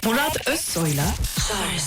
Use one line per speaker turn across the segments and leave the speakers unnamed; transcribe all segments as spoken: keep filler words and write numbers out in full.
Murat Özsoy'la Şarj.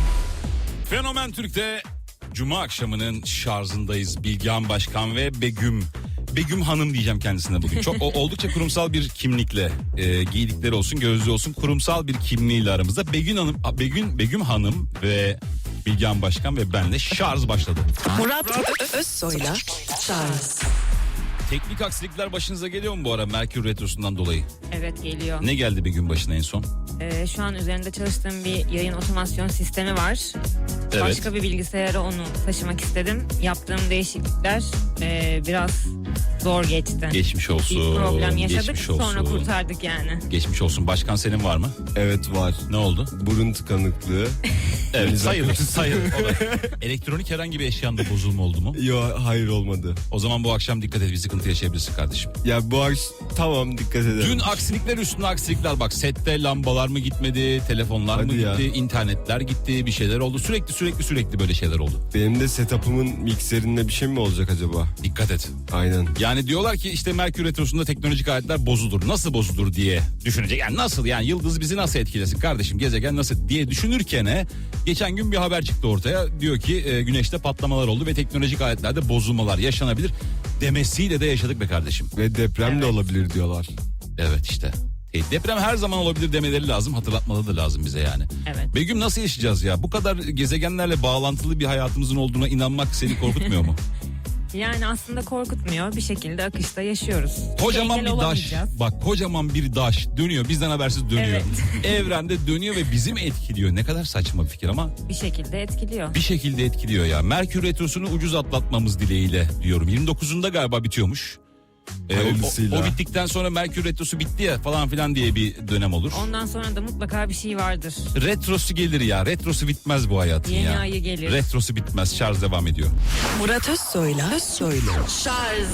Fenomen Türk'te Cuma akşamının şarjındayız. Bilgehan Başkan ve Begüm. Begüm Hanım diyeceğim kendisine bugün. Çok o, oldukça kurumsal bir kimlikle e, giydikleri olsun, gözlüğü olsun, kurumsal bir kimliğiyle aramızda. Begüm Hanım, Begüm Begüm Hanım ve Bilgehan Başkan ve benle şarj başladı.
Murat Ö- Özsoy'la Şarj.
Teknik aksilikler başınıza geliyor mu bu ara Merkür Retrosu'ndan dolayı?
Evet, geliyor.
Ne geldi Begüm başına en son?
Ee, şu an üzerinde çalıştığım bir yayın otomasyon sistemi var.
Evet.
Başka bir bilgisayara onu taşımak istedim. Yaptığım değişiklikler e, biraz zor geçti.
Geçmiş olsun.
Bir problem yaşadık,
Geçmiş olsun.
sonra kurtardık yani.
Geçmiş olsun. Başkan senin var mı?
Evet var.
Ne oldu?
Burun tıkanıklığı.
Evet, sayılır sayılır. Elektronik herhangi bir eşyanda bozulma oldu mu?
Yo, hayır olmadı.
O zaman bu akşam dikkat et, bir sıkıntı yaşayabilirsin kardeşim.
Ya bu akş tamam, dikkat edelim.
Dün aksilikler üstüne aksilikler, bak sette lambalar mı gitmedi, telefonlar
Hadi
mı
ya.
gitti, internetler gitti, bir şeyler oldu. Sürekli sürekli sürekli böyle şeyler oldu.
Benim de setup'ımın mikserinde bir şey mi olacak acaba?
Dikkat et.
Aynen.
Yani diyorlar ki işte Merkür Retrosu'nda teknolojik aletler bozulur. Nasıl bozulur diye düşünecek. Yani nasıl, yani yıldız bizi nasıl etkilesin kardeşim, gezegen nasıl diye düşünürken e, geçen gün bir haber çıktı ortaya. Diyor ki e, güneşte patlamalar oldu ve teknolojik aletlerde bozulmalar yaşanabilir demesiyle de yaşadık be kardeşim.
Ve deprem
Evet.
de olabilir diyorlar.
Evet işte. E, deprem her zaman olabilir demeleri lazım, hatırlatmaları da lazım bize yani.
Evet.
Begüm, nasıl yaşayacağız ya? Bu kadar gezegenlerle bağlantılı bir hayatımızın olduğuna inanmak seni korkutmuyor mu?
Yani aslında korkutmuyor. Bir şekilde akışta yaşıyoruz.
Kocaman
Engel
bir daş.
olamayacağız.
Bak, kocaman bir daş dönüyor, bizden habersiz dönüyor.
Evet.
Evrende dönüyor ve bizi mi etkiliyor? Ne kadar saçma bir fikir ama
Bir şekilde etkiliyor.
bir şekilde etkiliyor ya. Merkür Retrosu'nu ucuz atlatmamız dileğiyle diyorum. yirmi dokuzunda galiba bitiyormuş. Ee, o,
Hayırlısıyla.
o, o bittikten sonra Merkür Retrosu bitti ya falan filan diye bir dönem olur.
Ondan sonra da mutlaka bir şey vardır.
Retrosu gelir ya. Retrosu bitmez bu hayatın
Yeni
ya.
ayı gelir.
Retrosu bitmez. Şarj devam ediyor.
Murat Özsoy'la Özsoy'la Şarj.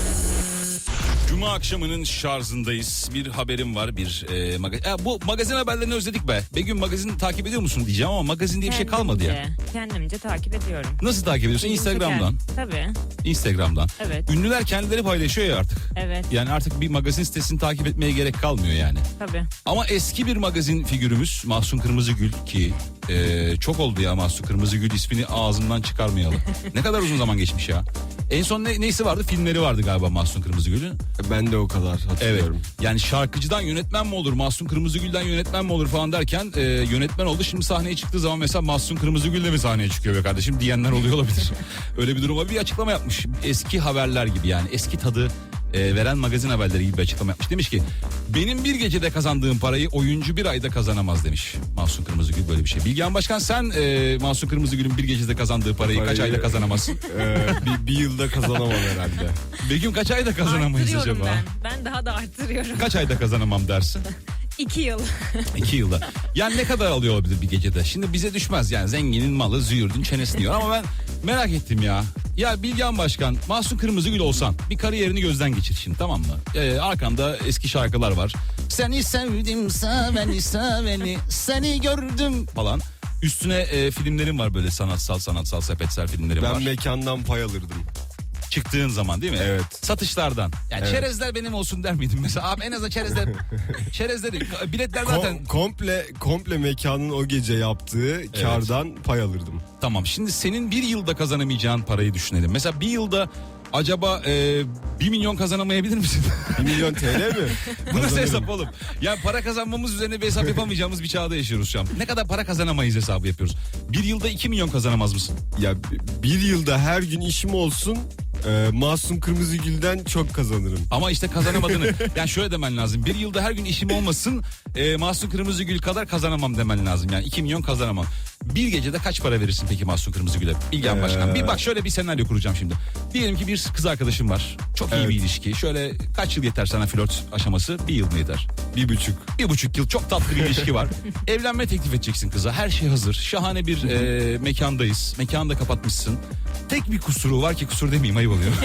Cuma akşamının şarjındayız. Bir haberim var. Bir e, magazin. E, bu magazin haberlerini özledik be. Begüm, magazin takip ediyor musun diyeceğim ama magazin diye bir şey kalmadı ya.
Kendimce- Kendimce takip ediyorum.
Nasıl takip ediyorsun?
İlgimi
Instagram'dan.
çeker. Tabii.
Instagram'dan.
Evet.
Ünlüler kendileri paylaşıyor ya artık.
Evet.
Yani artık bir magazin sitesini takip etmeye gerek kalmıyor yani.
Tabii.
Ama eski bir magazin figürümüz Mahsun Kırmızıgül ki e, çok oldu ya Mahsun Kırmızıgül ismini ağzımdan çıkarmayalım. Ne kadar uzun zaman geçmiş ya. En son ne, neysi vardı? Filmleri vardı galiba Mahsun Kırmızıgül'ün.
Ben de o kadar
Evet.
hatırlıyorum.
Yani şarkıcıdan yönetmen mi olur, Mahsun Kırmızıgül'den yönetmen mi olur falan derken e, yönetmen oldu. Şimdi sahneye çıktığı zaman mesela Mahsun Kırmızıgül de mi sahneye çıkıyor be kardeşim diyenler oluyor olabilir. Öyle bir duruma bir açıklama yapmış. Eski haberler gibi, yani eski tadı e, veren magazin haberleri gibi bir açıklama yapmış. Demiş ki benim bir gecede kazandığım parayı oyuncu bir ayda kazanamaz demiş Mahsun Kırmızıgül, böyle bir şey. Bilgehan Başkan, sen e, Mahsun Kırmızıgül'ün bir gecede kazandığı parayı, kaç
Parayı-
ayda kazanamazsın?
Ee, bir, bir yılda kazanamam herhalde.
Begüm, kaç ayda kazanamayız
Arttırıyorum
acaba?
ben. Ben daha da arttırıyorum.
Kaç ayda kazanamam dersin?
İki yıl.
İki yılda. Yani ne kadar alıyor olabilir bir gecede? Şimdi bize düşmez yani, zenginin malı züğürdün çenesini yiyor. Ama ben merak ettim ya. Ya Bilgehan Başkan, Mahsun Kırmızıgül olsan bir kariyerini gözden geçir şimdi, tamam mı? Ee, arkanda eski şarkılar var. Seni sevdim seveni seveni seni gördüm falan. Üstüne e, filmlerin var, böyle sanatsal sanatsal sepetsel filmlerin
Ben
var.
mekandan pay alırdım.
Çıktığın zaman değil mi?
Evet.
Satışlardan. Yani
Evet.
çerezler benim olsun der miydin mesela? Abi en azından çerezler, çerezleri, biletler
Kom-
zaten...
komple komple mekanın o gece yaptığı kardan pay alırdım.
Tamam, şimdi senin bir yılda kazanamayacağın parayı düşünelim. Mesela bir yılda acaba e, bir milyon kazanamayabilir misin?
bir milyon T L mi?
Bu nasıl
Kazanırım.
hesap oğlum? Yani para kazanmamız üzerine bir hesap yapamayacağımız bir çağda yaşıyoruz şu an. Ne kadar para kazanamayız hesabı yapıyoruz. Bir yılda iki milyon kazanamaz mısın?
Ya bir yılda her gün işim olsun, e, Mahsun Kırmızıgül'den çok kazanırım.
Ama işte kazanamadığını, yani şöyle demen lazım. Bir yılda her gün işim olmasın, e, Mahsun Kırmızıgül kadar kazanamam demen lazım. Yani iki milyon kazanamam. Bir gecede kaç para verirsin peki Mahsun Kırmızıgül'e? Bilgehan
Ee...
Başkan. Bir bak, şöyle bir senaryo kuracağım şimdi. Diyelim ki bir kız arkadaşım var. Çok iyi
Evet.
bir ilişki. Şöyle kaç yıl yeter sana flört aşaması? Bir yıl mı yeter?
Bir buçuk.
Bir buçuk yıl çok tatlı bir ilişki var. Evlenme teklif edeceksin kıza. Her şey hazır. Şahane bir e, mekandayız. Mekanı da kapatmışsın. Tek bir kusuru var ki, kusur demeyeyim, ayıp oluyor.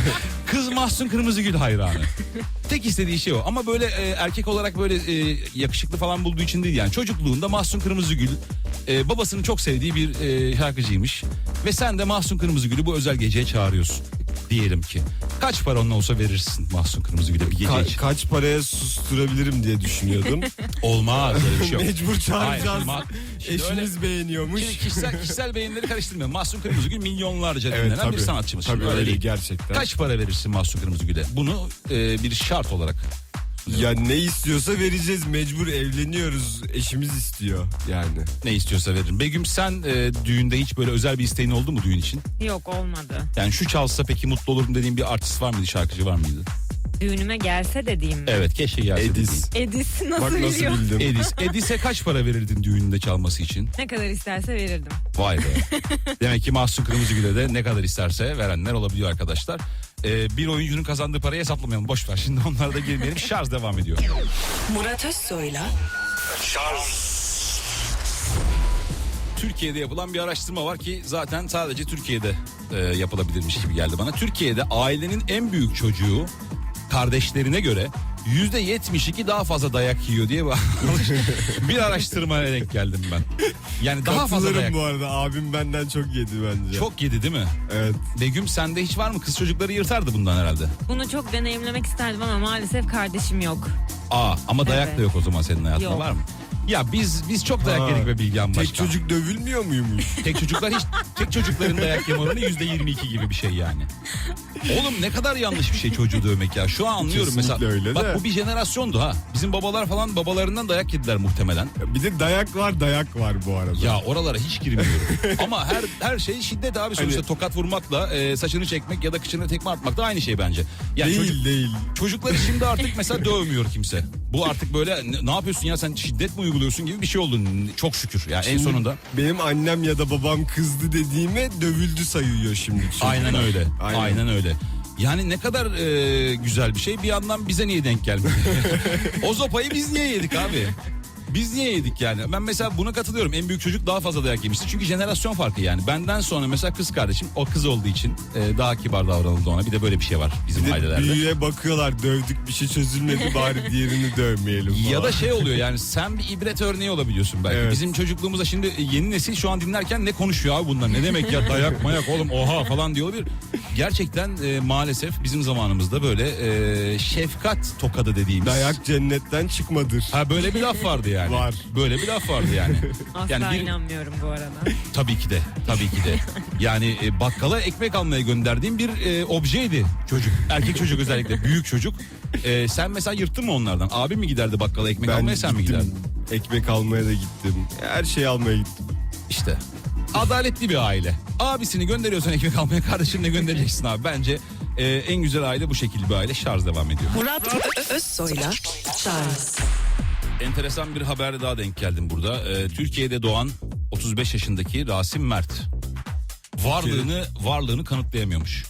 Kız Mahsun Kırmızıgül hayranı. Tek istediği şey o. Ama böyle e, erkek olarak böyle e, yakışıklı falan bulduğu için değil yani. Çocukluğunda Mahsun Kırmızıgül e, babasının çok sevdiği bir e, şarkıcıymış. Ve sen de Mahsun Kırmızıgül'ü bu özel geceye çağırıyorsun. Diyelim ki. Kaç para onunla olsa verirsin Mahsun Kırmızıgül'e bir gece
Ka-
için?
kaç paraya susturabilirim diye düşünüyordum.
Olmaz öyle bir şey yok.
Mecbur çağıracağız.
Hayır, şimdi
Eşiniz
öyle-
beğeniyormuş.
Şimdi kişisel, kişisel beyinleri karıştırmıyor. Mahsun Kırmızıgül milyonlarca
Evet,
dinlenen
tabii.
bir sanatçımız.
Tabii
Şimdi
öyle
değil.
gerçekten.
Kaç para verirsin Mahsun Kırmızıgül'e? Bunu e, bir şart olarak.
Ya ne istiyorsa vereceğiz, mecbur evleniyoruz, eşimiz istiyor yani.
Ne istiyorsa veririm. Begüm sen e, düğünde hiç böyle özel bir isteğin oldu mu düğün için?
Yok, olmadı.
Yani şu çalsa peki mutlu olurum dediğin bir artist var mıydı, şarkıcı var mıydı?
Düğünüme gelse dediğim mi?
Evet, keşke gelse
Edis.
Edis nasıl,
Bak nasıl
biliyor?
bildim.
dediğin. Edis. Edis'e kaç para verirdin düğününde çalması için?
Ne kadar isterse verirdim.
Vay be. Demek ki Mahsun Kırmızıgül'e de ne kadar isterse verenler olabiliyor arkadaşlar. Ee, bir oyuncunun kazandığı parayı hesaplamayalım. Boş ver. Şimdi onlara da girmeyelim. Şarj devam ediyor.
Murat Özsoy'la
Türkiye'de yapılan bir araştırma var ki zaten sadece Türkiye'de e, yapılabilirmiş gibi geldi bana. Türkiye'de ailenin en büyük çocuğu kardeşlerine göre yüzde yetmiş iki daha fazla dayak yiyor diye bir araştırmaya denk geldim ben. Yani daha fazla
Katılırım
dayak.
bu arada, abim benden çok yedi bence.
Çok yedi değil mi?
Evet.
Begüm sende hiç var mı? Kız çocukları yırtardı bundan herhalde.
Bunu çok deneyimlemek isterdim ama maalesef kardeşim yok.
Aa, ama dayak
Evet.
da yok o zaman senin hayatında,
Yok.
var mı? Ya biz biz çok dayak
Ha,
yedik be Bilgehan Başkan.
Tek çocuk dövülmüyor muymuş?
Tek çocuklar hiç tek çocukların dayak yeme oranı yüzde yirmi iki gibi bir şey yani. Oğlum ne kadar yanlış bir şey çocuğu dövmek ya. Şu an anlıyorum
Kesinlikle
mesela.
öyle
Bak
de.
bu bir jenerasyondu ha. Bizim babalar falan babalarından dayak yediler muhtemelen.
Bir de dayak var, dayak var bu arada.
Ya oralara hiç girmiyorum. Ama her her şey şiddet abi sonuçta.
Hani-
Tokat vurmakla e, saçını çekmek ya da kıçına tekme atmak da aynı şey bence. Yani
değil
çocuk-
değil.
Çocukları şimdi artık mesela dövmüyor kimse. Bu artık böyle ne, ne yapıyorsun ya, sen şiddet mi uyguluyorsun gibi bir şey oldu. Çok şükür yani en
Şimdi
sonunda.
Benim annem ya da babam kızdı dediğime dövüldü sayıyor şimdi. çocuklar.
Aynen öyle. Aynen,
Aynen.
öyle. Yani ne kadar e, güzel bir şey. Bir yandan bize niye denk gelmedi? O sopayı biz niye yedik abi? Biz niye yedik yani? Ben mesela buna katılıyorum. En büyük çocuk daha fazla dayak yemişti. Çünkü jenerasyon farkı yani. Benden sonra mesela kız kardeşim, o kız olduğu için e, daha kibar davranıldı ona. Bir de böyle bir şey var bizim
Bir de
ailelerde.
büyüye bakıyorlar, dövdük bir şey çözülmedi, bari diğerini dövmeyelim falan.
Ya da şey oluyor yani, sen bir ibret örneği olabiliyorsun belki.
Evet.
Bizim çocukluğumuzda şimdi yeni nesil şu an dinlerken ne konuşuyor abi bunlar? Ne demek ya dayak mayak oğlum oha falan diyor olabilir. Gerçekten e, maalesef bizim zamanımızda böyle e, şefkat tokadı dediğimiz.
Dayak cennetten çıkmadır.
Ha, böyle bir laf vardı yani.
Var.
Böyle bir laf vardı yani.
Asla
yani bir,
inanmıyorum bu arada.
tabii ki de, tabii ki de. Yani e, bakkala ekmek almaya gönderdiğim bir e, objeydi çocuk. Erkek çocuk özellikle, büyük çocuk. E, sen mesela yırttın mı onlardan? Abi mi giderdi bakkala ekmek almaya, sen mi
gittim,
giderdin?
ekmek almaya da gittim. Her şeyi almaya gittim.
İşte adaletli bir aile. Abisini gönderiyorsan ekmek almaya, kardeşini de göndereceksin abi. Bence e, en güzel aile bu şekilde bir aile. Şarj devam ediyor.
Murat Ö- Özsoy'la Charles
Enteresan bir haber daha denk geldim burada. E, Türkiye'de doğan otuz beş yaşındaki Rasim Mert varlığını varlığını kanıtlayamıyormuş.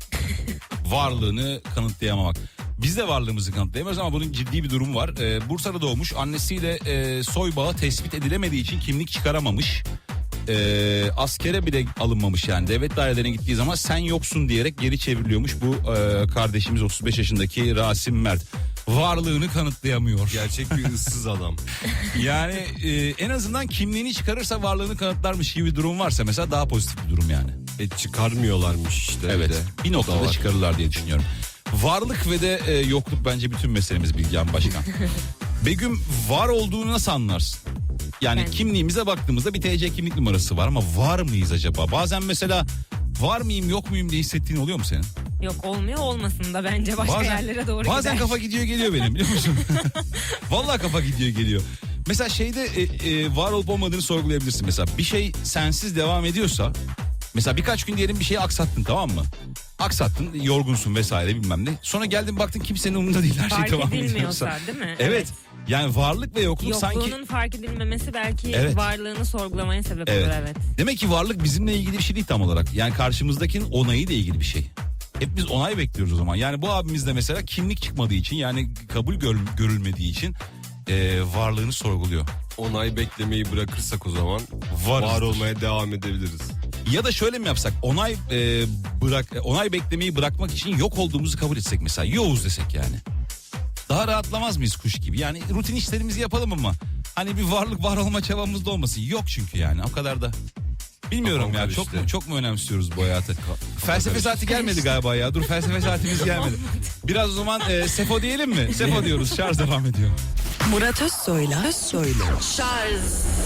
Varlığını kanıtlayamamak. Biz de varlığımızı kanıtlayamıyoruz ama bunun ciddi bir durum var. Ee, Bursa'da doğmuş, annesiyle e, soy bağı tespit edilemediği için kimlik çıkaramamış. Ee, askere bile alınmamış yani. Devlet dairelerine gittiği zaman sen yoksun diyerek geri çevriliyormuş bu e, kardeşimiz otuz beş yaşındaki Rasim Mert. Varlığını kanıtlayamıyor.
Gerçek bir ıssız adam.
Yani e, en azından kimliğini çıkarırsa varlığını kanıtlarmış gibi bir durum varsa mesela daha pozitif bir durum yani.
E çıkarmıyorlarmış işte.
Evet,
bir de.
bir
O da
noktada
var.
çıkarırlar diye düşünüyorum. Varlık ve de e, yokluk bence bütün meselemiz Bilgehan Başkan. Begüm, var olduğunu nasıl anlarsın? Yani
Ben-
kimliğimize baktığımızda bir T C kimlik numarası var ama var mıyız acaba? Bazen mesela var mıyım yok muyum diye hissettiğin oluyor mu senin?
Yok, olmuyor, olmasın da bence başka yerlere doğru
bazen
gider.
kafa gidiyor geliyor benim, biliyor musun? Vallahi kafa gidiyor geliyor. Mesela şeyde e, e, var olup olmadığını sorgulayabilirsin. Mesela bir şey sensiz devam ediyorsa, mesela birkaç gün diyelim bir şeyi aksattın, tamam mı? Aksattın, yorgunsun vesaire bilmem ne. Sonra geldin baktın kimsenin umurunda değil, her şey
Fark
devam ediyorsa.
edilmiyorsa değil mi?
Evet. Yani varlık ve yokluk
Yokluğunun
sanki...
fark edilmemesi belki
Evet.
varlığını sorgulamaya sebep
Evet.
olur, evet.
Demek ki varlık bizimle ilgili bir şey değil tam olarak. Yani karşımızdakinin onayıyla ilgili bir şey. Hep biz onay bekliyoruz o zaman. Yani bu abimiz de mesela kimlik çıkmadığı için, yani kabul gör- görülmediği için e, varlığını sorguluyor.
Onay beklemeyi bırakırsak o zaman
Varızdır.
var olmaya devam edebiliriz.
Ya da şöyle mi yapsak? Onay e, bırak onay beklemeyi bırakmak için yok olduğumuzu kabul etsek mesela. Yoğuz desek yani. Daha rahatlamaz mıyız kuş gibi? Yani rutin işlerimizi yapalım ama hani bir varlık var olma çabamız da olmasın. Yok çünkü yani o kadar da Bilmiyorum
Kafam
ya çok
karıştı.
mu çok mu önemsiyoruz bu hayatı? Felsefe saati gelmedi galiba ya. Dur felsefe saatimiz gelmedi. Biraz o zaman e, Sefo diyelim mi? Sefo diyoruz. Şarj devam ediyor.
Murat Özsoy'la Özsoy'la Şarj.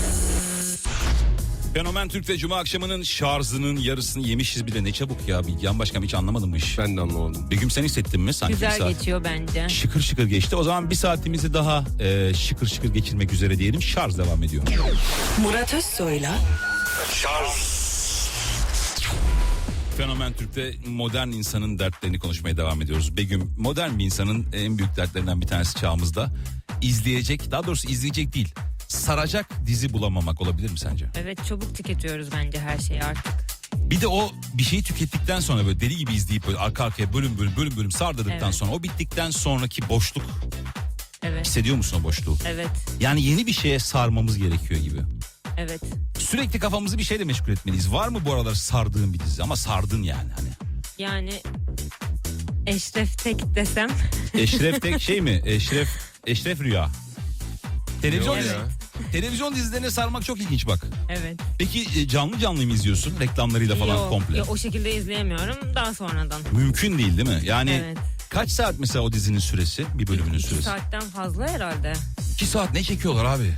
Fenomen Türk'te Cuma akşamının şarjının yarısını yemişiz bir de ne çabuk ya. Bilgehan Başkan hiç anlamadım bu iş.
Ben de anlamadım.
Begüm sen hissettin mi? Sanki bir
Güzel
saat.
geçiyor bence.
Şıkır şıkır geçti. O zaman bir saatimizi daha e, şıkır şıkır geçirmek üzere diyelim. Şarj devam ediyor.
Murat Özsoy'la
Fenomen Türk'te modern insanın dertlerini konuşmaya devam ediyoruz. Begüm, modern bir insanın en büyük dertlerinden bir tanesi çağımızda izleyecek, daha doğrusu izleyecek değil, saracak dizi bulamamak olabilir mi sence?
Evet, çabuk tüketiyoruz bence her şeyi artık.
Bir de o bir şeyi tükettikten sonra böyle deli gibi izleyip böyle arka arkaya bölüm bölüm bölüm bölüm sardırdıktan
Evet.
sonra o bittikten sonraki boşluk,
Evet,
hissediyor musun o boşluğu?
evet,
Yani yeni bir şeye sarmamız gerekiyor gibi.
evet.
Sürekli kafamızı bir şeyle meşgul etmeliyiz. Var mı bu aralar sardığın bir dizi? Ama sardın yani hani.
Yani Eşref Tek desem
Eşref Tek şey mi? Eşref Eşref Rüya. Televizyon
Evet.
dizi. Televizyon dizilerine sarmak çok ilginç bak.
evet.
Peki e, canlı canlı mı izliyorsun? Reklamlarıyla falan
Yok,
komple.
yok, o şekilde izleyemiyorum, daha sonradan.
Mümkün değil değil mi? Yani
Evet.
kaç saat mesela o dizinin süresi? Bir bölümünün
İki
süresi.
saatten fazla herhalde.
İki saat ne çekiyorlar abi?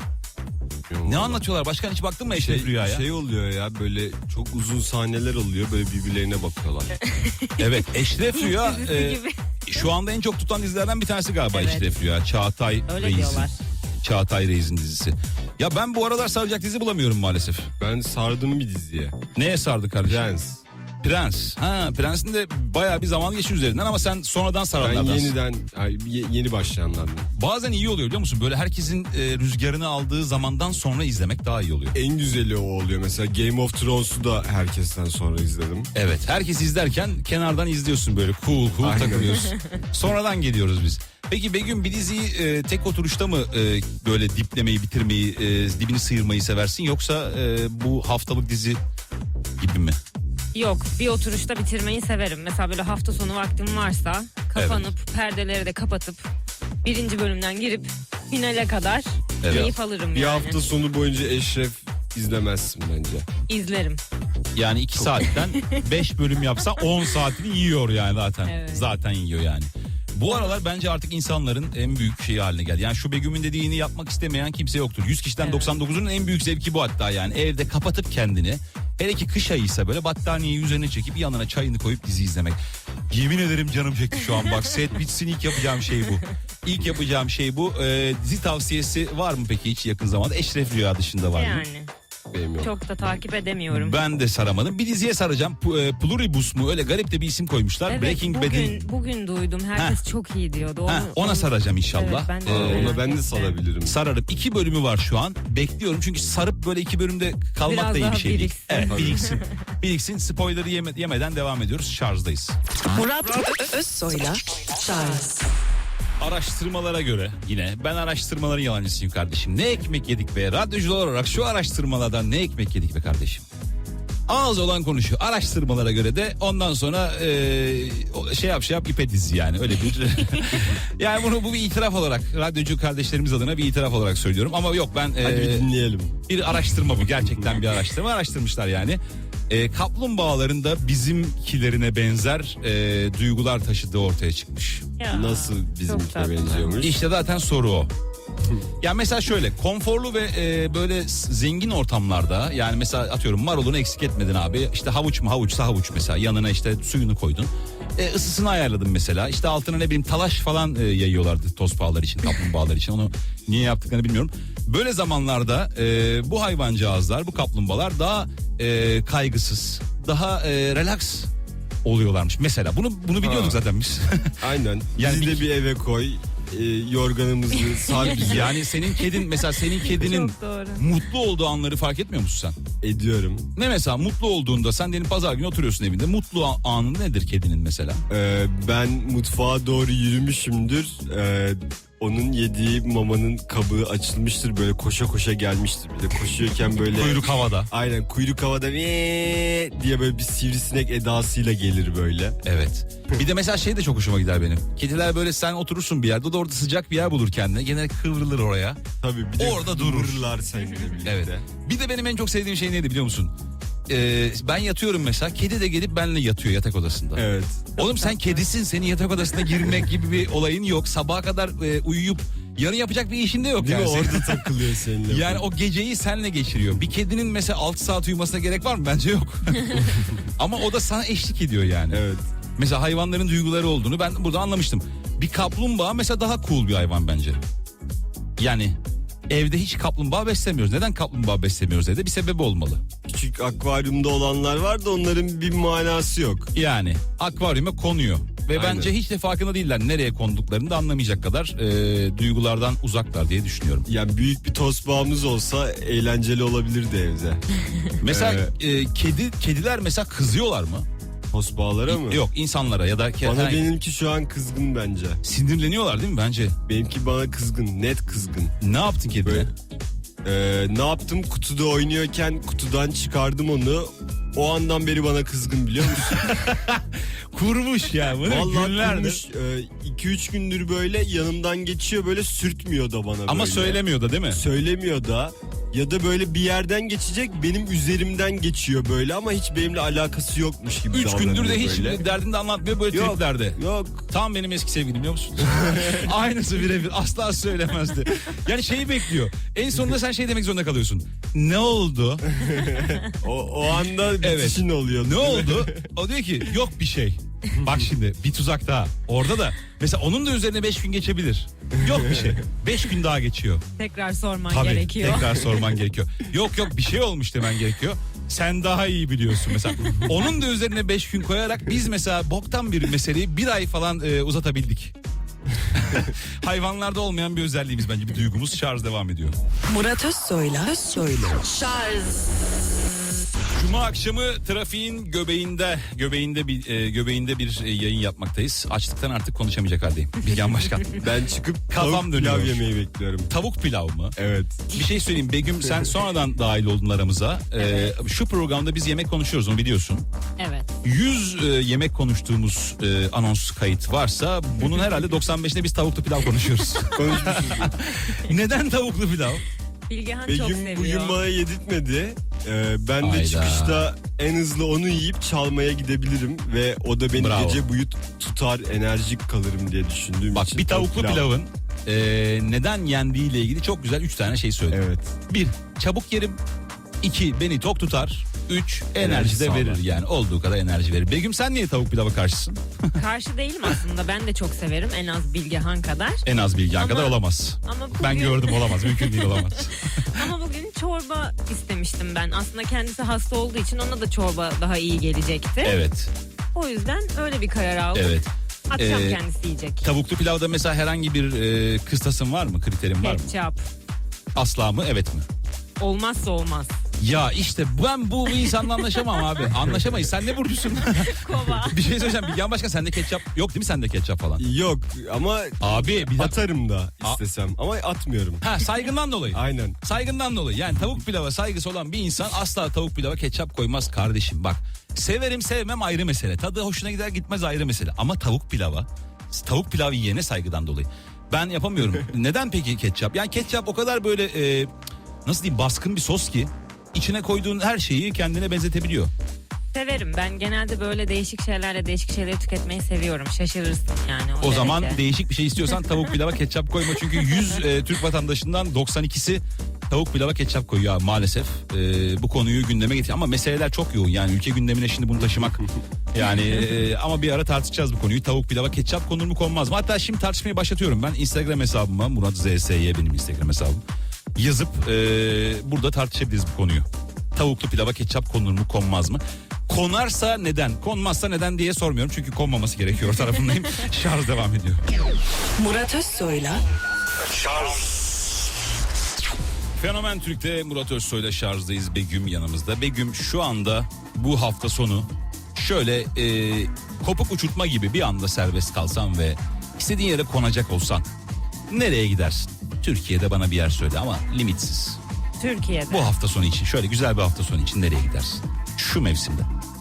Ne anlatıyorlar? Başkan hiç baktın mı Eşref
Şey,
Rüya'ya?
şey oluyor ya, böyle çok uzun sahneler oluyor, böyle birbirlerine bakıyorlar.
Evet, Eşref Rüya
Dizisi
e,
gibi.
şu anda en çok tutan dizilerden bir tanesi galiba
Evet.
Eşref Rüya. Çağatay
Öyle
Reis'in.
diyorlar.
Çağatay Reis'in dizisi. Ya ben bu aralar saracak dizi bulamıyorum maalesef.
Ben sardım bir diziye.
Neye sardı kardeşim?
Prens.
Prens. Ha, Prens'in de bayağı bir zaman geçiyor üzerinden ama sen sonradan
Ben
saranlardansın.
yeniden, ay, ye- yeni başlayanlardım.
Bazen iyi oluyor biliyor musun? Böyle herkesin e, rüzgarını aldığı zamandan sonra izlemek daha iyi oluyor.
En güzeli o oluyor. Mesela Game of Thrones'u da herkesten sonra izledim.
Evet, herkes izlerken kenardan izliyorsun böyle cool cool
Aynen.
takılıyorsun. Sonradan geliyoruz biz. Peki Begüm, bir diziyi e, tek oturuşta mı e, böyle diplemeyi, bitirmeyi, e, dibini sıyırmayı seversin, yoksa e, bu haftalık dizi gibi mi?
Yok, bir oturuşta bitirmeyi severim. Mesela böyle hafta sonu vaktim varsa kapanıp perdeleri de kapatıp birinci bölümden girip finale kadar
Evet.
keyif alırım
Bir
yani.
hafta sonu boyunca Eşref izlemezsin bence.
İzlerim.
Yani iki saatten beş bölüm yapsa on saatini yiyor yani zaten.
Evet.
Zaten yiyor yani. Bu aralar bence artık insanların en büyük şeyi haline geldi. Yani şu Begüm'ün dediğini yapmak istemeyen kimse yoktur. yüz kişiden
Evet.
doksan dokuzunun en büyük zevki bu hatta yani. Evde kapatıp kendini, hele ki kış ayıysa böyle battaniyeyi üzerine çekip yanına çayını koyup dizi izlemek. Yemin ederim canım çekti şu an bak, set bitsin ilk yapacağım şey bu. İlk yapacağım şey bu. Ee, dizi tavsiyesi var mı peki hiç yakın zamanda? Eşref Rüya dışında var mı?
Yani
Benim yok.
çok da takip edemiyorum.
Ben de saramadım. Bir diziye saracağım. P- e, Pluribus mu? Öyle garip de bir isim koymuşlar.
Evet,
Breaking
bugün,
Bad'in.
bugün duydum. Herkes çok iyi diyordu. Onu,
Ha, ona
onu-
saracağım inşallah.
Evet, ben de
Aa,
öyle
ona
merak
ben de
ettim.
sarabilirim.
Sararım. İki bölümü var şu an. Bekliyorum çünkü sarıp böyle iki bölümde kalmak
Biraz
da iyi
daha
bir şey değil.
biriksin.
Evet,
Tabii.
biriksin. Biriksin. Spoiler'ı yeme- yemeden devam ediyoruz. Şarjdayız.
Murat Ö- Özsoy'la Şarj.
Araştırmalara göre yine ben araştırmaların yalancısıyım kardeşim. Ne ekmek yedik be, radyocular olarak şu araştırmalardan ne ekmek yedik be kardeşim. Ağız olan konuşuyor. Araştırmalara göre de ondan sonra e, o şey yap şey yap ipe dizi yani öyle bir. Yani bunu bu bir itiraf olarak, radyocu kardeşlerimiz adına bir itiraf olarak söylüyorum. Ama yok ben
Hadi bir
e,
dinleyelim.
bir araştırma bu, gerçekten bir araştırma araştırmışlar yani. E, kaplumbağaların da bizimkilerine benzer e, duygular taşıdığı ortaya çıkmış.
Ya,
Nasıl
çok
bizimkine
tatlı.
benziyormuş?
İşte zaten soru o. Ya mesela şöyle konforlu ve e, böyle s- zengin ortamlarda, yani mesela atıyorum marulunu eksik etmedin abi, işte havuç mu havuçsa havuç, mesela yanına işte suyunu koydun, e, ısısını ayarladın mesela, işte altına ne bileyim talaş falan e, yayıyorlardı tozpağlar için, kaplumbağalar için, onu niye yaptıklarını bilmiyorum. Böyle zamanlarda e, bu hayvancağızlar, bu kaplumbağalar daha e, kaygısız, daha e, relax oluyorlarmış mesela. Bunu bunu biliyorduk
Ha.
zaten biz.
Aynen.
Yani
Bizi
bir-
de bir eve koy. E, yorganımızı sar bizi.
Yani senin kedin mesela, senin kedinin
Çok doğru.
mutlu olduğu anları fark etmiyor musun sen?
Ediyorum.
Ne mesela mutlu olduğunda, sen diyelim pazar günü oturuyorsun evinde, mutlu a- anı nedir kedinin mesela?
Ee, ben mutfağa doğru yürümüşümdür. Ee, onun yediği mamanın kabı açılmıştır. Böyle koşa koşa gelmiştir. Bir de koşuyorken böyle...
Kuyruk havada.
Aynen, kuyruk havada "Vee" diye böyle bir sivrisinek edasıyla gelir böyle.
Evet. Bir de mesela şey de çok hoşuma gider benim. Kediler böyle, sen oturursun bir yerde, o da orada sıcak bir yer bulur kendine. Genelde kıvrılır oraya.
Tabii bir de
Orada durur.
kıvırırlar seninle birlikte.
Evet. Bir de benim en çok sevdiğim şey neydi biliyor musun? e, ben yatıyorum mesela, kedi de gelip benimle yatıyor yatak odasında.
Evet.
Oğlum sen kedisin, senin yatak odasına girmek gibi bir olayın yok. Sabaha kadar e, uyuyup yarın yapacak bir işin de yok.
Değil
yani.
mi? Orada takılıyor seninle.
Yani o geceyi senle geçiriyor. Bir kedinin mesela altı saat uyumasına gerek var mı? Bence yok. Ama o da sana eşlik ediyor yani.
Evet.
Mesela hayvanların duyguları olduğunu ben burada anlamıştım. Bir kaplumbağa mesela daha cool bir hayvan bence. Yani evde hiç kaplumbağa beslemiyoruz. Neden kaplumbağa beslemiyoruz evde? Bir sebebi olmalı.
Küçük akvaryumda olanlar var da onların bir manası yok.
Yani akvaryuma konuyor. Ve
Aynen.
bence hiç de farkında değiller. Nereye konduklarını da anlamayacak kadar e, duygulardan uzaklar diye düşünüyorum.
Yani büyük bir tosbağamız olsa eğlenceli olabilirdi evde.
Mesela e, kedi kediler mesela kızıyorlar mı?
Tosbağalara mı?
Yok, insanlara ya da ke-
Bana
herhangi-
benimki şu an kızgın bence.
sinirleniyorlar değil mi bence?
Benimki bana kızgın, net kızgın.
Ne yaptın kedine?
Böyle, Ee, ne yaptım? Kutuda oynuyorken kutudan çıkardım onu. O andan beri bana kızgın, biliyor musun?
Kurmuş ya bunu
Vallahi
günlerdir.
iki üç gündür böyle yanımdan geçiyor, böyle sürtmüyor da bana.
Ama
böyle.
söylemiyor da değil mi?
Söylemiyor da. Ya da böyle bir yerden geçecek, benim üzerimden geçiyor böyle ama hiç benimle alakası yokmuş gibi
Üç
davranıyor
gündür de hiç
böyle.
derdini de anlatmıyor, böyle
Yok,
triplerde.
yok.
Tam benim eski sevgilim, biliyor musun? Aynısı birebir, asla söylemezdi. Yani şeyi bekliyor. En sonunda sen şey demek zorunda kalıyorsun. Ne oldu?
O, o anda
Evet.
bitişin oluyor.
Ne oldu? O diyor ki yok bir şey. Bak şimdi bir tuzak daha. Orada da mesela onun da üzerine beş gün geçebilir. Yok bir şey. Beş gün daha geçiyor.
Tekrar sorman
Tabii
gerekiyor.
tekrar sorman gerekiyor. Yok yok bir şey olmuş demen gerekiyor. Sen daha iyi biliyorsun mesela. Onun da üzerine beş gün koyarak biz mesela boktan bir meseleyi bir ay falan e, uzatabildik. Hayvanlarda olmayan bir özelliğimiz bence, bir duygumuz. Şarj devam ediyor.
Murat Özsoy'la Özsoy'la Şarj.
Cuma akşamı trafiğin göbeğinde göbeğinde bir e, göbeğinde bir e, yayın yapmaktayız. Açlıktan artık konuşamayacak haldeyim. Bilgen Başkan.
Ben çıkıp
Kafam
tavuk
dönüyor.
pilav yemeyi bekliyorum.
Tavuk pilav mı?
Evet.
Bir şey söyleyeyim Begüm, sen sonradan dahil oldun aramıza. Ee, şu programda biz yemek konuşuyoruz, onu biliyorsun.
Evet.
yüz e, yemek konuştuğumuz e, anons kayıt varsa bunun herhalde doksan beşinde biz tavuklu pilav konuşuyoruz.
Konuşmuşuz.
Neden tavuklu pilav?
Bilgehan çok
Begüm
seviyor.
bugün bana yedirtmedi. Ee, ben de
Hayda.
çıkışta en hızlı onu yiyip çalmaya gidebilirim ve o da beni
Bravo.
gece boyu tutar, enerjik kalırım diye düşündüğüm
Bak
için.
bir tavuklu
pilav.
pilavın e, neden yendiğiyle ilgili çok güzel üç tane şey söyledi.
Evet.
Bir, çabuk yerim. İki, beni tok tutar. Üç, enerji de
sağlar.
verir yani, olduğu kadar enerji verir. Begüm sen niye tavuk pilava karşısın?
Karşı değilim aslında. Ben de çok severim. En az Bilgehan kadar.
En az Bilgen
Ama-
kadar olamaz.
Ama bugün,
Ben gördüm, olamaz, mümkün değil, olamaz.
Ama bugün çorba istemiştim ben. Aslında kendisi hasta olduğu için ona da çorba daha iyi gelecekti.
Evet,
O yüzden öyle bir karar aldım.
evet.
Akşam
Ee,
kendisi yiyecek.
Tavuklu pilavda mesela herhangi bir e, kıstasın var mı, kriterin var mı?
Ketçap.
Asla mı, evet mi?
Olmazsa olmaz.
Ya işte ben bu insanla anlaşamam abi. Anlaşamayız. Sen ne burcusun?
Kova.
Bir şey söyleyeceğim. Bilgen Başkan, sende ketçap yok değil mi, sende ketçap falan?
Yok ama
Abi bir dakika.
atarım da istesem ama atmıyorum.
Ha, saygından dolayı.
Aynen.
Saygından dolayı. Yani tavuk pilava saygısı olan bir insan asla tavuk pilava ketçap koymaz kardeşim. Bak, severim sevmem ayrı mesele. Tadı hoşuna gider gitmez ayrı mesele. Ama tavuk pilava, tavuk pilav yiyene saygıdan dolayı. Ben yapamıyorum. Neden peki ketçap? Yani ketçap o kadar böyle e, nasıl diyeyim, baskın bir sos ki içine koyduğun her şeyi kendine benzetebiliyor.
Severim. Ben genelde böyle değişik şeylerle değişik şeyleri tüketmeyi seviyorum. Şaşırırsın yani.
O zaman
derece.
değişik bir şey istiyorsan tavuk pilava ketçap koyma. Çünkü yüz e, Türk vatandaşından doksan ikisi tavuk pilava ketçap koyuyor abi, maalesef. E, bu konuyu gündeme getir. Ama meseleler çok yoğun. Yani ülke gündemine şimdi bunu taşımak. Yani e, ama bir ara tartışacağız bu konuyu. Tavuk pilava ketçap konur mu konmaz mı? Hatta şimdi tartışmayı başlatıyorum. Ben Instagram hesabıma, Murat Z S Y benim Instagram hesabım, yazıp e, burada tartışabiliriz bu konuyu. Tavuklu pilava ketçap konur mu konmaz mı? Konarsa neden, konmazsa neden diye sormuyorum. Çünkü konmaması gerekiyor tarafındayım. Şarj devam ediyor.
Murat Özsoy'la
Fenomen Türk'te Murat Özsoy'la şarjdayız. Begüm yanımızda. Begüm, şu anda bu hafta sonu şöyle e, kopuk uçurtma gibi bir anda serbest kalsan ve istediğin yere konacak olsan nereye gidersin? Türkiye'de bana bir yer söyle ama limitsiz.
Türkiye'de.
Bu hafta sonu için, şöyle güzel bir hafta sonu için nereye gidersin? Şu mevsimde.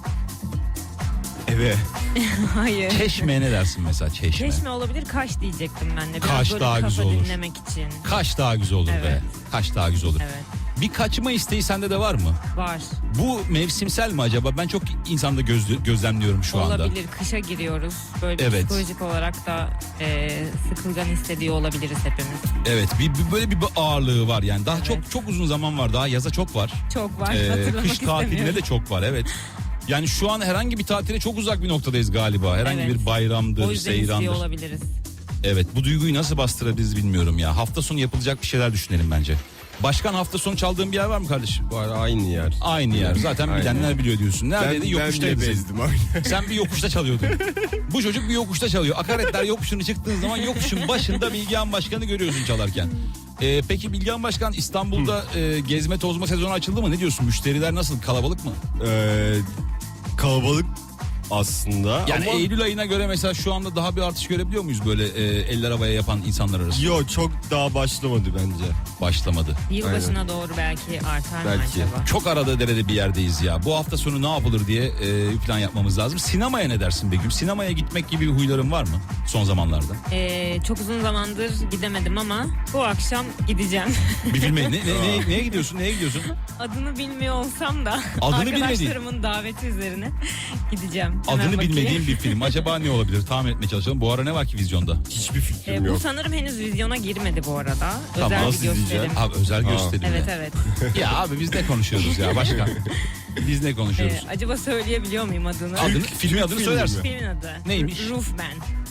Eve.
Hayır.
Çeşme'ye ne dersin mesela, Çeşme?
Çeşme olabilir, Kaş diyecektim ben de. Biraz
Kaş
böyle
daha
kafa
güzel olur.
dinlemek için.
Kaş daha güzel olur be.
Evet.
Kaş daha güzel olur.
Evet.
Bir kaçma isteği sende de var mı?
Var.
Bu mevsimsel mi acaba? Ben çok insanda gözlü, gözlemliyorum şu anda.
Olabilir. Kışa giriyoruz. Böyle
Evet.
psikolojik olarak da e, sıkılgan hissediyor olabiliriz hepimiz.
Evet, bir, bir- böyle bir ağırlığı var yani. Daha
Evet.
çok çok uzun zaman var. Daha yaza çok var.
Çok var.
Ee,
Hatırlamak
kış tatiline
istemiyorum.
de çok var, evet. Yani şu an herhangi bir tatile çok uzak bir noktadayız galiba. Herhangi
Evet.
bir bayramdır,
O yüzden istiyor
seyrandır.
olabiliriz.
Evet, bu duyguyu nasıl bastırabiliriz bilmiyorum ya. Hafta sonu yapılacak bir şeyler düşünelim bence. Başkan, hafta sonu çaldığın bir yer var mı kardeşim?
Var, aynı yer.
Aynı yer. Zaten
Aynen.
bilenler biliyor diyorsun. Neredeydi?
Ben, ben
Yokuştaydı.
bile
senin.
bezdim aynen.
Sen bir yokuşta çalıyordun. Bu çocuk bir yokuşta çalıyor. Akaretler yokuşunu çıktığın zaman yokuşun başında Bilgehan Başkan'ı görüyorsun çalarken. Ee, peki Bilgehan Başkan, İstanbul'da e, gezme tozma sezonu açıldı mı? Ne diyorsun? Müşteriler nasıl? Kalabalık mı?
Ee, kalabalık aslında.
Yani
ama...
Eylül ayına göre mesela şu anda daha bir artış görebiliyor muyuz böyle e, eller havaya yapan insanlar arasında?
Yo, çok daha başlamadı bence.
Başlamadı.
Yılbaşına doğru belki artar
Belki.
mı acaba?
Çok arada derede bir yerdeyiz ya. Bu hafta sonu ne yapılır diye e, bir plan yapmamız lazım. Sinemaya ne dersin Begüm? Sinemaya gitmek gibi bir huyların var mı son zamanlarda?
Ee, çok uzun zamandır gidemedim ama bu akşam gideceğim.
Bir filme ne, ne, ne- neye gidiyorsun? Neye gidiyorsun?
Adını bilmiyor olsam da
Adını bilmediğin.
arkadaşlarımın daveti üzerine gideceğim. Hemen
Adını
bakayım.
bilmediğim bir film. Acaba ne olabilir? Tahmin etmeye çalışalım. Bu ara ne var ki vizyonda?
Hiçbir fikrim
Ee, bu
yok.
sanırım henüz vizyona girmedi bu arada.
Tamam,
Özel
nasıl
bir gösterim.
izleyeceğim?
Abi özel
Aa.
gösterim
Evet
ya.
evet.
Ya abi biz ne konuşuyoruz ya başkan? Biz ne konuşuyoruz?
Ee, acaba söyleyebiliyor muyum adını?
Adını, filmin adını
filmi
söylersin.
mi?
Filmin adı.
Neymiş?
Roofman.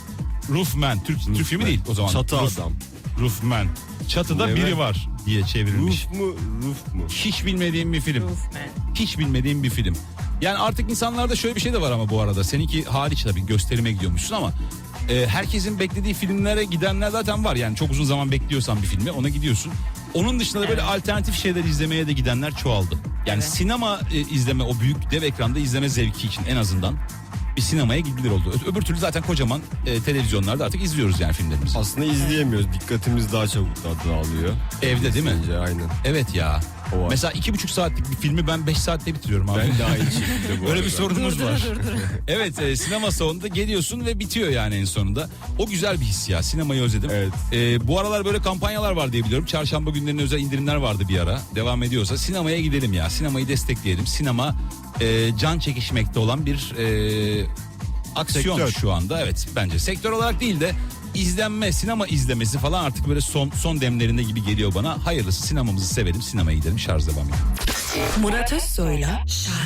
Roofman. Türk, Türk filmi değil o zaman.
Çatı
Roof-
adam.
Roofman. Çatıda
Evet.
biri var diye çevrilmiş.
Roof mu? Roof mu?
Hiç bilmediğim bir film.
Roofman.
Hiç bilmediğim bir film. Yani artık insanlarda şöyle bir şey de var ama bu arada. Seninki hariç tabii, gösterime gidiyormuşsun ama e, herkesin beklediği filmlere gidenler zaten var. Yani çok uzun zaman bekliyorsan bir filmi, ona gidiyorsun. Onun dışında da böyle
Evet.
alternatif şeyler izlemeye de gidenler çoğaldı. Yani
Evet.
sinema e, izleme, o büyük dev ekranda izleme zevki için en azından bir sinemaya gidilir oldu. Ö- Öbür türlü zaten kocaman e, televizyonlarda artık izliyoruz yani filmlerimizi.
Aslında izleyemiyoruz. Dikkatimiz daha çabuk dağılıyor.
Evde değil mi?
Bence aynen.
Evet ya.
O var.
Mesela iki buçuk saatlik bir filmi ben beş saatte bitiriyorum abi.
Ben de aynı şekilde bu
Öyle
arada.
bir sorunumuz
Dur,
var.
dur, dur, dur.
Evet, e, sinema salonunda geliyorsun ve bitiyor yani en sonunda. O güzel bir his ya. Sinemayı özledim.
Evet.
E, bu aralar böyle kampanyalar var diye biliyorum. Çarşamba günlerine özel indirimler vardı bir ara. Devam ediyorsa sinemaya gidelim ya. Sinemayı destekleyelim. Sinema e, can çekişmekte olan bir e, aksiyon
Sektör.
şu anda. Evet, bence sektör olarak değil de izlenme, sinema izlemesi falan artık böyle son son demlerinde gibi geliyor bana. Hayırlısı, sinemamızı sevelim, sinemaya gidelim. Şarj devam ediyor.
Murat Özsoy'la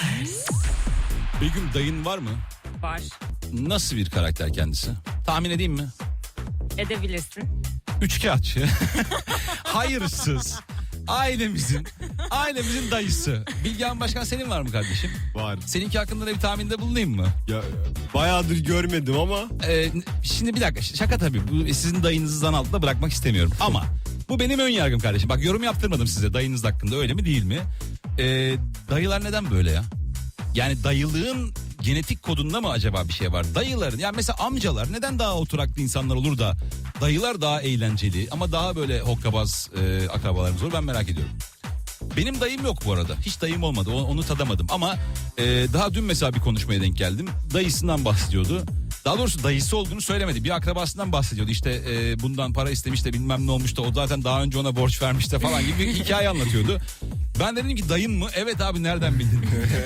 Begüm, dayın var mı?
Var.
Nasıl bir karakter kendisi? Tahmin edeyim mi?
Edebilirsin.
Üçkağıtçı. Hayırsız. Ailemizin ailemizin dayısı. Bilgehan Başkan, senin var mı kardeşim?
Var.
Seninki hakkında da bir tahminde bulunayım mı?
Ya, bayağıdır görmedim ama
Ee, şimdi bir dakika, şaka tabii. Bu sizin dayınızı zan altında bırakmak istemiyorum. Ama bu benim ön yargım kardeşim. Bak, yorum yaptırmadım size dayınız hakkında, öyle mi değil mi? Ee, dayılar neden böyle ya? Yani dayılığın genetik kodunda mı acaba bir şey var? Dayıların, yani mesela amcalar neden daha oturaklı insanlar olur da dayılar daha eğlenceli ama daha böyle hokkabaz e, akrabalarımız olur, ben merak ediyorum. Benim dayım yok bu arada. Hiç dayım olmadı. Onu, onu tadamadım. Ama e, daha dün mesela bir konuşmaya denk geldim. Dayısından bahsediyordu. Daha doğrusu dayısı olduğunu söylemedi. Bir akrabasından bahsediyordu. İşte e, bundan para istemiş de bilmem ne olmuş da o zaten daha önce ona borç vermiş de falan gibi bir hikaye anlatıyordu. Ben de dedim ki, dayın mı? Evet abi, nereden bildin?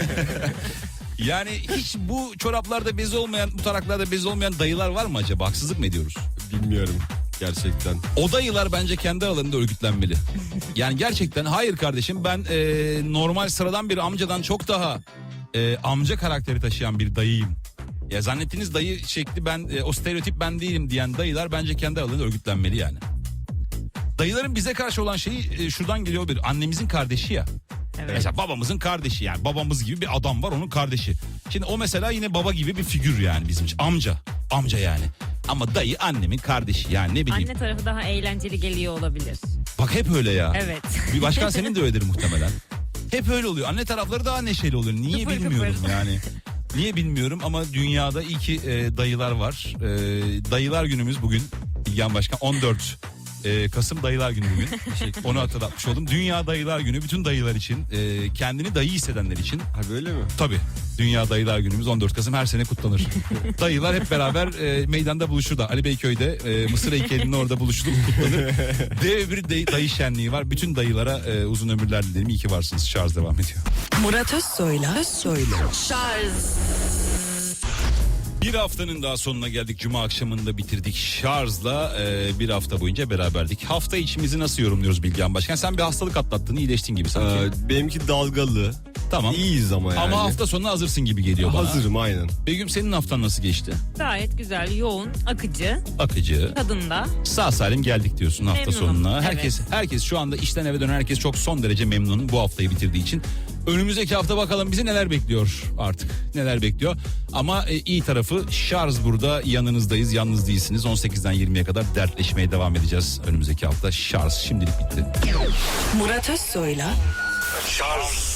Yani hiç bu çoraplarda bezi olmayan, bu taraklarda bezi olmayan dayılar var mı acaba? Haksızlık mı ediyoruz?
bilmiyorum gerçekten.
O dayılar bence kendi alanında örgütlenmeli. Yani gerçekten hayır kardeşim, ben e, normal sıradan bir amcadan çok daha e, amca karakteri taşıyan bir dayıyım. Ya zannettiğiniz dayı şekli ben, e, o stereotip ben değilim diyen dayılar bence kendi alanında örgütlenmeli yani. Dayıların bize karşı olan şeyi e, şuradan geliyor, bir annemizin kardeşi ya.
Evet.
Mesela babamızın kardeşi, yani babamız gibi bir adam var, onun kardeşi. Şimdi o mesela yine baba gibi bir figür yani bizim için. Amca. Amca yani. Ama dayı annemin kardeşi, yani ne bileyim.
Anne tarafı daha eğlenceli geliyor olabilir.
Bak hep öyle ya.
Evet.
Bir başkan senin de öyledir muhtemelen. Hep öyle oluyor. Anne tarafları daha neşeli oluyor. Niye
Kıpır
bilmiyorum
kıpır.
yani. Niye bilmiyorum ama dünyada iyi ki e, dayılar var. E, dayılar günümüz bugün. Bilgehan Başkan, on dört Ee, Kasım Dayılar Günü bugün. Onu hatırlatmış oldum. Dünya Dayılar Günü bütün dayılar için, e, kendini dayı hissedenler için.
Ha böyle mi?
Tabii. Dünya Dayılar Günümüz on dört Kasım her sene kutlanır. Dayılar hep beraber e, meydanda buluşur da. Ali Beyköy'de e, Mısır heykelinin orada buluşulup kutlanır. Dev bir dayı, dayı şenliği var. Bütün dayılara e, uzun ömürler dilerim. İyi ki varsınız. Şarj devam ediyor.
Murat Özsoy'la Özsoy'la Şarj.
Bir haftanın daha sonuna geldik. Cuma akşamında bitirdik Şarj'la. E, bir hafta boyunca beraberdik. Hafta içimizi nasıl yorumluyoruz Bilgehan Başkan? Sen bir hastalık atlattın, iyileştin gibi sanki.
Ee, benimki dalgalı.
Tamam.
İyiyiz ama yani.
Ama hafta sonuna hazırsın gibi geliyor bana.
Hazırım aynen.
Begüm senin haftan nasıl geçti?
Gayet güzel, yoğun, akıcı,
Akıcı.
tadında.
Sağ salim geldik diyorsun hafta
Memnunum,
sonuna.
evet.
Herkes herkes şu anda işten eve dönen herkes çok son derece memnun bu haftayı bitirdiği için. Önümüzdeki hafta bakalım bizi neler bekliyor artık. Neler bekliyor. Ama e, iyi tarafı Şarj burada, yanınızdayız, yalnız değilsiniz. on sekizden yirmiye kadar dertleşmeye devam edeceğiz önümüzdeki hafta. Şarj şimdilik bitti.
Murat Özsoy'la
Şarj.